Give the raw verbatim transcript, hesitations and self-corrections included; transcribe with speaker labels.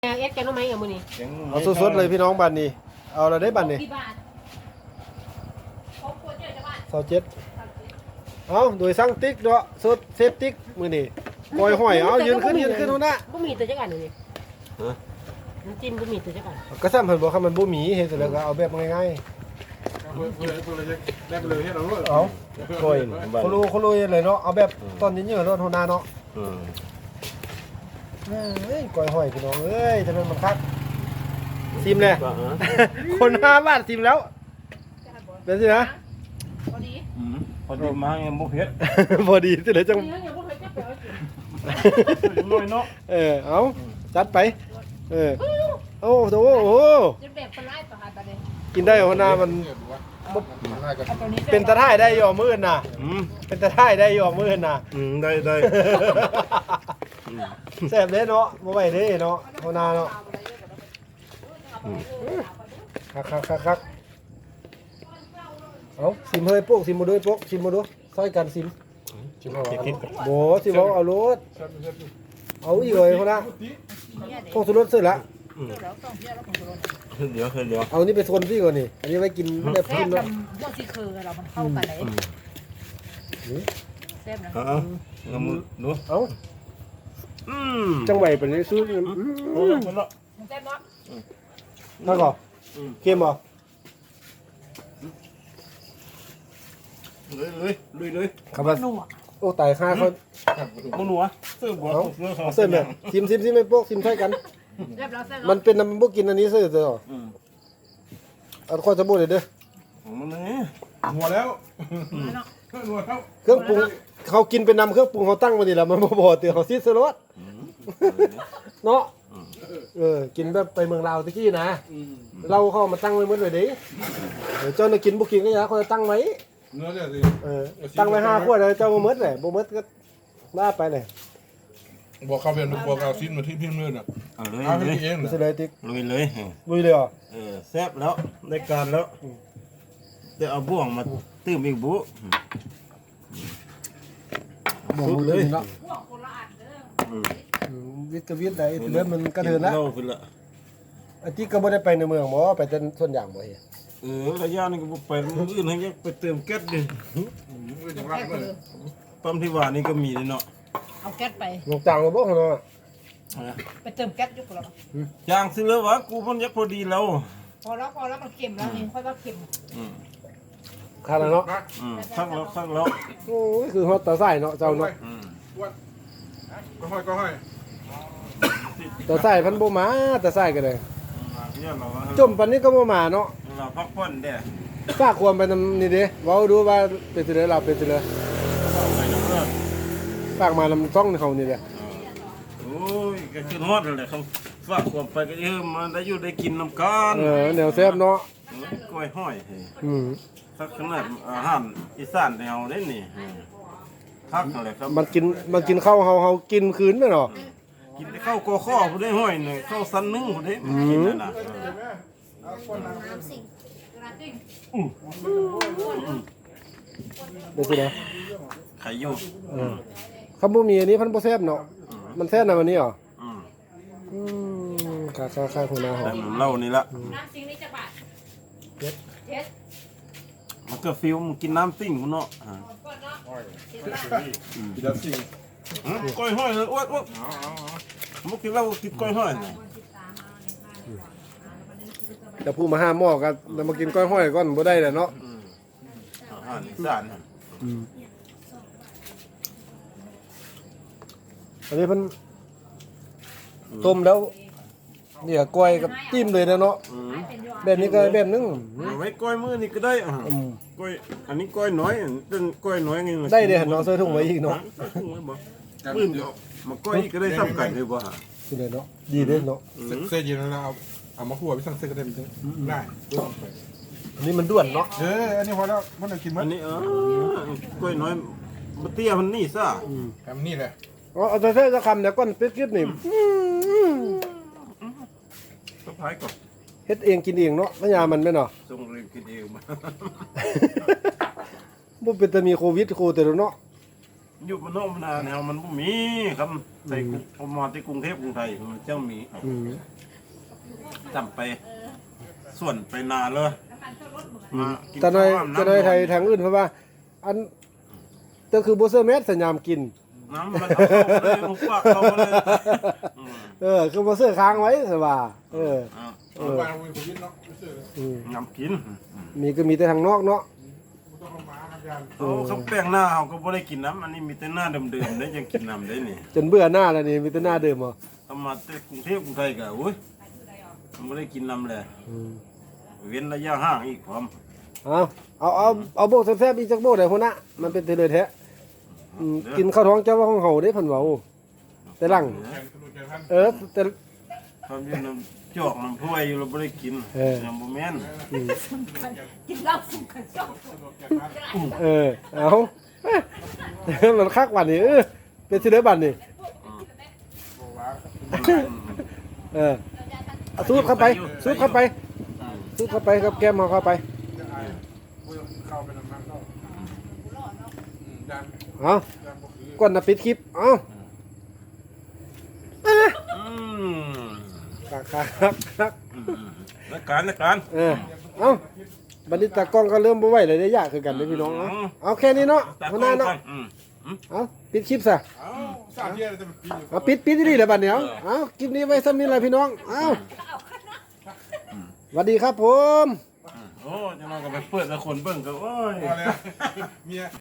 Speaker 1: เอสแกน้องไม้เอามือนี่
Speaker 2: เอาสดๆเลยพี่น้องบ้านนี้เอาเราได้บ้านนี้สาวเจ็ดเอาโดยสั่งติ๊กเนาะสดเซฟติ๊กมือนี่ปล่อยห้อยเอายืนขึ้นยืนขึ้นหัวหน้า
Speaker 1: บุมีตัวจักอันนี่น้ำจิ้มบุมีตัวจักอัน
Speaker 2: ก็ซ้ำเพิ่นบอกคำมันบ่มีเฮ็ดเสร็จแล้วก็เอาแบบง่ายๆเอาโอยโคโลโคโลเลยเนาะเอาแบบตอนนี้เยอะรถหัวหน้าเนาะเอ้ยก้อยห้อยพี่น้องเอ้ยทำไมมันคักซิมเลยคนห้าบาทซิมแล้วเป็นสินะ
Speaker 1: พอดี
Speaker 3: พอดีมายังบุเพชร
Speaker 2: พอดีสิเลยจัง
Speaker 3: น้อยเนาะ
Speaker 2: เออเอาจัดไปเออโอ้โหโอ้กินได้หัวหน้ามันเป็นตะไคร้ได้ย่อมือน่ะเป็นตะไคร้ได้ย่อมือน่ะ
Speaker 3: ได้ได้
Speaker 2: แซ่บเด้เนาะบ่ไหวเด้เนาะหัวหน้าเนาะคักคักคักคักเอาซิมเฮ้ยปุ๊กซิมมาด้วยปุ๊กซิมมาดูซอยกันซิมโบซิมเอาเอารถเอาอีกเลยหัวหน้าพวกสุรสเสร็จละ
Speaker 3: เดี๋ยวเดี๋ยว
Speaker 2: เอานี่ไปโซนพี่ก่อนนี่อันนี้ไว้กินแบบกินเนาะ
Speaker 1: พวกซีเคอร์เรามันเข้ากันเลยแซ่บนะ
Speaker 3: เอาเอามือดู
Speaker 2: เอาจังไหวเป็นนี้ซื้อ
Speaker 3: โอ้มันละ
Speaker 1: แซ่บเนาะ
Speaker 2: นั่นก่อนเค็มบ่
Speaker 3: เลยเลยเลยเลย
Speaker 2: ครับว่าโอ้ตายค่าเขา
Speaker 3: บุหนัวเสื้อบัว
Speaker 2: เสื้อเนี่ยซิมซิมซิมไม่พวกซิมใช่กันมันเป็นน้ำบุกินอันนี้เสื้อเด้อเอาข้อจะบูดเลยเด้อ
Speaker 3: มันนี่
Speaker 4: หัวแล้ว
Speaker 2: หัวแล้วเครื่องปรุงเขากินเป็นน้ำเครื่องปรุงเขาตั้งมาดีแล้วมันบ่พอเตือเขาซีสรสเนาะเออกินแบบไปเมืองลาวตะกี้นะเราเข้ามาตั้งไว้เมื่อไหร่ดิเจ้าเนี่ยกินบุกินก็ยาเขาจะตั้งไว้
Speaker 4: เนื้อเนี่ยสิ
Speaker 2: เออตั้งไว้ห้าขวดเลยเจ้าบ่มื้อเลยบ่มื้อก็ลาไปเลย
Speaker 4: บอกเขาเป็นบอกเอาชิ้นมาที่พิมพ์เลยน่ะ
Speaker 3: เอาเลย
Speaker 4: เอาให้เอง
Speaker 2: สิเลยติ๊ก
Speaker 3: ลุยเลย
Speaker 2: ลุยเลยเหรอ
Speaker 3: เออแซ่บแล้วได้การแล้วจะเอาบ่วงมาตื้มอีกบุ
Speaker 2: บ่วงเลยเนาะวิทย์กับวิทย์ได้เรื่องมันกระเทือนแล้วไอ้ที่ก็บ่ได้ไปในเมืองบ่ไปแต่ส่วนอย่างบ่เฮีย
Speaker 3: เออระยะนี้ก็บ่ไปมื้ออื่นให้ไปเติมแก๊สดิปั๊มที่ว่านี่ก็มีเนาะ
Speaker 1: เอาแก๊สไป
Speaker 2: ลงจางบ่บ่เนาะ
Speaker 1: ไปเติมแก๊สอยู่กับเรา
Speaker 3: จางสิเลยวะกูมันยักพอดีแล้ว
Speaker 1: พอแล้วพอแล้วมันเค็มแล้วนี่ค่อยว่าเค็ม
Speaker 2: ขาดแล้วเนาะ
Speaker 3: อืมซักแล้วซักแล้ว
Speaker 2: โอ้ยคือฮอตตาไส้เนาะเจ้าเนาะ
Speaker 4: อืมก็ห้อยก็ห้อย
Speaker 2: ตาไส้พันบ่มาตาไส้ก็ได้จมปานนี้ก็บ่มาเนาะ
Speaker 3: เราพักผ่อนเด้
Speaker 2: ฝากความไปนำนี่เด้เว้าดูว่าเป็นสิเด้เราเป็นสิเด้ฝากมานำช่องเขานี่แหละ
Speaker 3: โอ้ยก็คือฮอดเลยเขาฝากความไปก็เออมันได้อยู่ได้กินน้ำกัน
Speaker 2: เออแนวแซ่บเนาะ
Speaker 3: กล้วยห้อย
Speaker 2: อืม
Speaker 3: สักขนาดอาหารอีสานแนวได้นี่พักอะไรครับ
Speaker 2: มันกินมันกินข้าวเฮาเฮากินคืนแม่เนาะ
Speaker 3: กินได้ข้าวกอข้อผู้ได้ห้อยหน่อยข้าวสันนึ่งผู้ได้กินนั่นน่ะ
Speaker 2: เป็นสิเด้
Speaker 3: ไข่อยู่
Speaker 2: เขาบ่มีอันนี้พันบ่แซ่บเนาะมันแซ่บนะวันนี้เหรอ
Speaker 3: อืม
Speaker 2: อืมค่าๆๆของนาหอม
Speaker 3: เหล้านี่ละ
Speaker 1: น้ำซิงนี่จักบาท
Speaker 2: เฮ็ด
Speaker 1: เฮ็ด
Speaker 3: มันก็ฟิลมันกินน้ำซิ่งพุ่นเนาะอ่า
Speaker 4: กินแล้วสิ
Speaker 3: ก้อยห้อยเลยอ้วนๆมุกกินเหล้ากินก้อยห้อย
Speaker 2: จะพูดมาห้าหม้อกันแล้วมากินก้อยห้อยก่อนบ่ได้แหละเนาะ
Speaker 3: อาหารอีสาน
Speaker 2: อืมอันนี้เพิ่นต้มแล้วเนี่ยก้อยกับจิ้มเลยนะเนาะแบบนี้ก็แบบนึง
Speaker 3: ไว้ก้อยมือนี่ก็ได้อ่ะก้อยอันนี้ก้อยน้อยเป็นก้อยน้อยไง
Speaker 2: ได้เด้เนาะใส่ถุงไว้อีกเนาะ
Speaker 3: ปื้มมาก้อยก็ได้ซ้ำกันเลยบ่ฮะ
Speaker 2: สิได้เนาะดีเด้เนาะ
Speaker 4: เส้นเย็นแล้วเอาเอามาคั่วไปสั่งเส้นก็ได้ได้
Speaker 2: อันนี้มันด่วนเนาะ
Speaker 4: เอออันนี้พอแล้วมันจะกินมั้ย
Speaker 3: อันนี้เออกล้วยน้อยบ่เตี้ยมันนี่ซะ
Speaker 4: ทำนี่แหละ
Speaker 2: อ๋อเอาใส่สักคำเดี๋ยวก่อนปิดคลิปนี่
Speaker 3: สะพายก่อน
Speaker 2: เฮ็ดเองกินเองเนาะพญามันแม่นเนาะ
Speaker 3: ส่งเรียนกินเองมา
Speaker 2: บ่เป็นแต่มีโควิดโคแต่เนาะ
Speaker 3: อยู่มันนอกมันนาแนวมันบ่มีครับใส่กรุงพอมาที่กรุงเทพกรุงไทยมันเจ้ามี
Speaker 2: อืม
Speaker 3: จำไปส่วนไปนาเลยมากิ
Speaker 2: แต่ใน
Speaker 3: ข้าว
Speaker 2: แต่ในไทยทางอื่นเพราะว่า อันก็คือบ่เซอร์เมสสัญญามกิน
Speaker 3: น้ำมันเอาเข้าไปเลยลูกปากเข้าไปเลยอืม
Speaker 2: เออคือบ่เซอร์ค้างไว้ซะว่าเออ
Speaker 3: เอา
Speaker 2: เออ
Speaker 4: บ้านเราเป็นคนยึดเนาะไม่เชื่อเลย
Speaker 2: อืม
Speaker 3: น้ำกิน
Speaker 2: มีก็มีแต่ทางนอกเนาะ
Speaker 4: ไม่ต้องเอามาครับยาน
Speaker 3: โอ้เขาแป้งหน้าเขาก็บ่ได้กินน้ำอันนี้มีแต่หน้าเดิมๆได้ยังกินน้ำได้นี่
Speaker 2: จนเบื่อหน้าแล้วนี่มีแต่หน้าเดิมเหรอ
Speaker 3: ทำมาแต่กรุงเทพกรุงไทยก็โอ้ยมันบ่ได้กินน้ำเลย
Speaker 2: อืม
Speaker 3: เว้นระยะห่างอีกพร้อม
Speaker 2: เอาเอาเอาเอาโบกแซ่บๆอีกจักโบกได้พุ่นน่ะมันเป็นเทเลแท้อืมกินข้าวท้องเจ้าว่าของเฮาเด้เพิ่นเว้าแต่หลัง
Speaker 4: แขนตำรวจแขนท่าน
Speaker 2: เออแต่
Speaker 3: ความอยู่น้ำจอกน้ำถ้วยอยู่เราบ่ได้กิน
Speaker 2: เออ
Speaker 3: ยังบ่แม่น
Speaker 5: กินเหล้าสุกกันจ้อง
Speaker 4: ตำรวจแขนท่าน
Speaker 2: เออเอามันคักวันนี้เออเป็นสิเด้อบัดนี้
Speaker 4: บอกว่า
Speaker 2: เออเอาสูดเข้าไปสูดเข้าไปสูดเข้าไปกับแก้มเอาเข้าไป
Speaker 4: จะอายพูดเข้าไปน้ำมันเข้าอืมยาน
Speaker 2: เอา
Speaker 4: ยานบอกคือ
Speaker 2: ก่อนนะปิดคลิปเอา
Speaker 3: อืม
Speaker 2: คักคักคักคัก
Speaker 3: อืมนักการนักการ
Speaker 2: เออเอาบัดนี้ตากล้องก็เริ่มบ่ไหวเลยได้ยากคือกันเด้อพี่น้องเอาเอาแค่นี้เนาะ
Speaker 3: ตา
Speaker 2: หัว
Speaker 3: ก
Speaker 2: ห
Speaker 3: ล้
Speaker 2: น้า
Speaker 3: อง
Speaker 2: เนาะ
Speaker 3: ก่อนอืมอืม
Speaker 2: เอาปิดคลิปซะ
Speaker 4: เอ้าสาดเที่ยอะไรจะเป็นปีอยู่
Speaker 2: เอาปิดปิดที่นี่แหละบัดเนี้ยเอาคลิปนี้ไว้ซ้ำนี้แหละพี่น้องเอาสวัสดีครับผม
Speaker 3: โอ้จะมาก็ไปเปิดแล้วคนเบิ่งก็โอ้ย
Speaker 4: พอแล้วเมีย